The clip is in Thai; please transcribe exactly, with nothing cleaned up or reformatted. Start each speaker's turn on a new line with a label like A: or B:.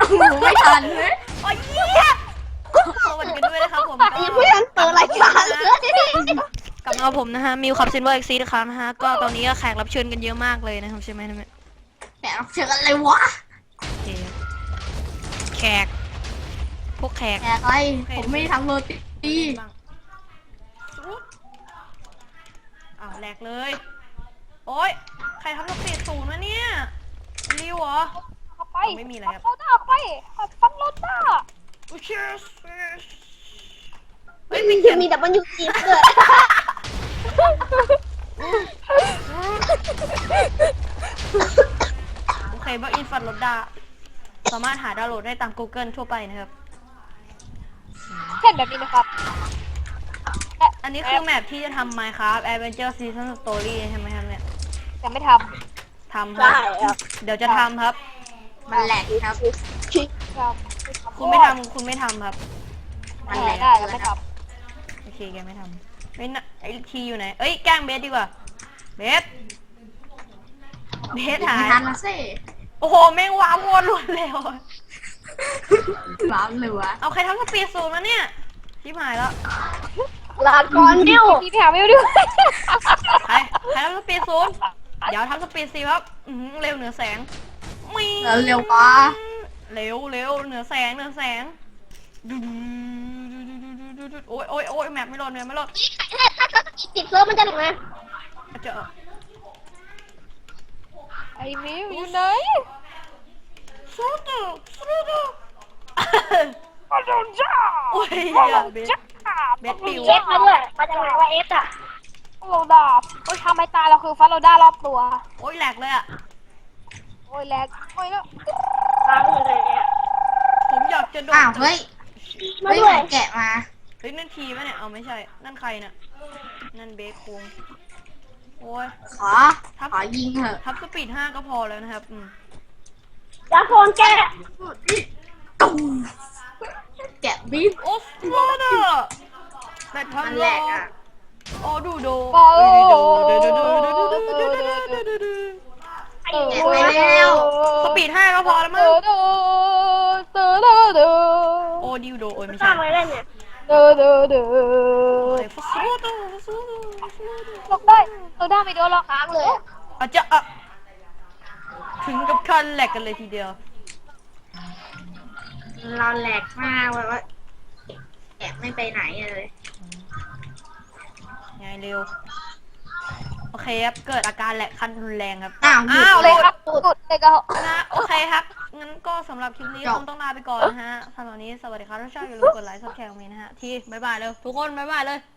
A: ไม่ทันเลย
B: โอ้ยเหี้ยสวัสดีกันด้วยนะครับผมก็
A: ยังไม่ทันเปิดรายการเลย
B: กลับมาผมนะฮะมิวขับซินเวอร์เอ็กซีนะครับนะฮะก็ตอนนี้ก็แขกรับเชิญกันเยอะมากเลยนะครับใช่ไหมนะแม่
A: แหมเชื่อกันเลยวะ
B: โอเคแขกพวกแขก
A: แหมอะไรผมไม่ได้ทำโรตี
B: บ้างอ้าวแหลกเลย โอ๊ยใครทำสปีดศูนย์วะเนี่ยริวเหรอ
C: เอาไป
B: ไม่มีอะไรครับ
C: ฟันโลด้าไปฟันโลด้า
B: โอ้เชียสเฮ้ย
A: มี
B: ไม่เขียน
A: มีแต่มันอยู่จีนเกิด
B: โอเคบักอินฟันโลดาสามารถหาดาวน์โหลดได้ตาม Google ทั่วไปนะครับ
C: เช่นแบบนี้นะครับ
B: อันนี้คือแมปที่จะทำ Minecraft Adventure Season Story ใช่ไหมครับเนี่ย
C: แต่ไม่ท
B: ทำครับ เดี๋ยวจะทำครับ
A: มันแหลกครับ
C: ำครับ
B: คุณไม่ทำคุณไม่ทำครับ
A: มันแหลก
C: ได้แล้วไม่ท
B: โอเคแกไม่ทำไม่นะไอทีอยู่ไหน เอ้ยแกล้งเบสดีกว่า เบส เบสหาย
A: ไม่ทันละสิ
B: โอ้โหแม่งว้าวโคตรรวดเร็ว
A: ร้านเลยวะ
B: เอาใครทำสปีดศูนย์มาเนี่ยชิบหายแล้ว
A: ลาก่อนนิ้ว
C: ำพี่ไปหาไม่ด้วย
B: ใครใครทำสปีดศูนย์เดี๋ยวทำสปีดสี่ครับอื้อหือเร็วเหนือแสงมี
A: เร็วเร็ววะ
B: เร็วเร็วเหนือแสงเหนือแสงดูดูดูดูดูโอ้ยโอ้ยโอ้ยแมปไม่โหลดแมปไม่โหลด
A: ติดเซิร์ฟมันจะหนึ่งนะ
B: เจอ
C: ไอ้มิวอยู่ไหน
B: สู้ดูสู้ดู
C: ฟันโลด้า
B: โอ้ย
C: ฟันโล
B: อย่าเบส
C: ด้า
B: เบสปิว
A: เอฟมาด้วยมาจากไหนวะเอฟอ่ะ
C: ฟันโลด้าโอ้ยทำไมตายเราคือฟันโลด้ารอบตัว
B: โอ้ยแหลกเลยอ่ะ
C: โอ้ยแลกโอ้ยแล้ว
A: ฟังเลยเนี่ย
B: ผมอยากจะโดด
A: อ้าวเฮ้ย
C: มา
A: เฮ้ย
C: ด้วย
A: แกะมา
B: เฮ้ยนั่นทีมะเนี่ยเอาไม่ใช่นั่นใครน่ะนั่นเบสโคงโอ้ย
A: ขอ ขอยิงเถอะ
B: ทับสปีดห้าก็พอแล้วนะครับอืม
A: ดาโฟนแกะตุ้มแกะบีบ
B: โอ้สโลเดอร์แบทพัน
A: มัน
B: โล
A: แหลกอ่ะ
B: โอ้ดูโด
C: โอ้
B: ดูดูดูดูดูดูดูดูดูดูดู
C: เออ
A: แกะไปแล้ว
B: สปีดห้าก็พอแล้วมั้ง
C: เดอเดอเดอเดอ
B: โอ้ดิวโดโอ้ยไม่
A: ส
B: ใช่
A: ร้างอะไรได้เนี่ย
C: เดอเดอเดอ
B: โอ้ยฟุสโลเดอร์ฟุสโลเดอร์ฟุสโลเดอร์
C: หลบได้เราได้ไม่โดนหรอก
A: ค้างเลย
B: อาจจะอ่ะถึงกับขั้นแหลกกันเลยทีเดียว
A: เราแหลกมากเลยว่าแกะไม่ไปไหนเลย
B: ไงเร็วโอเคครับเกิดอาการแหลกขั้นรุนแรงครับ
A: อ้าวหยุด
B: อ้าว
C: เลยครับสุดเลยก็
B: นะโอเคครับงั้นก็สำหรับคลิปนี้
A: จบ
B: คงต้องลาไปก่อนนะฮะสำหรับวันนี้สวัสดีครับทุกท่านอย่าลืมกดไลค์ซับแชร์ตรงนี้นะฮะที่บ๊ายบายเลยทุกคนบ๊ายบายเลย